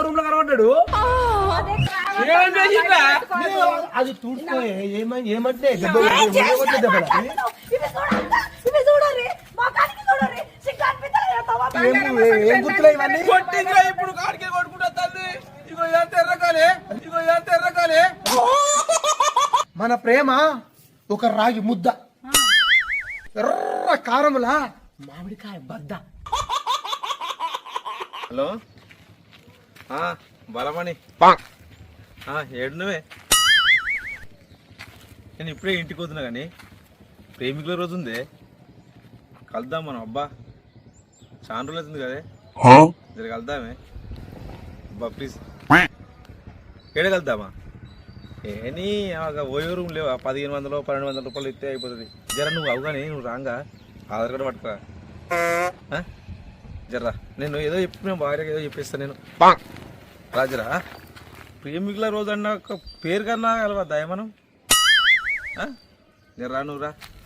Room లో కనబడ్డాడు. అది చూడుకోయే ఏమంటే ఏం గుర్తులే ఇవన్నీ. ఇప్పుడు కాడికి కొట్టుకుంటా తల్లి. ఇగో ఎంత ఎర్రకాలే, ఇగో ఎంత ఎర్రకాలే. మన ప్రేమ ఒక రాగి ముద్ద, ఎర్ర కారములా మామిడికాయ బద్ద. హలో బలమణి ఏడు నువ్వే? నేను ఇప్పుడే ఇంటికి వస్తున్నా కానీ ప్రేమికుల రోజు ఉందే, కలుద్దాం మనం. అబ్బా చాలా రోజులు అవుతుంది కదే, జర కలుద్దామే అబ్బా ప్లీజ్. ఏడే కలుద్దామా? ఏని ఓయో రూమ్ లేవు, 1500 1200 రూపాయలు ఇస్తే అయిపోతుంది. జర నువ్వు అవగానే నువ్వు రాంగా ఆధార్ కార్డు పట్టుకురా. జర్రా నేను ఏదో చెప్పిన భార్యకి ఏదో చెప్పేస్తాను నేను. రాజరా ప్రేమికుల రోజు అన్న ఒక పేరు కన్నా కలవద్దా మనం? జర్రా నువ్వు రా.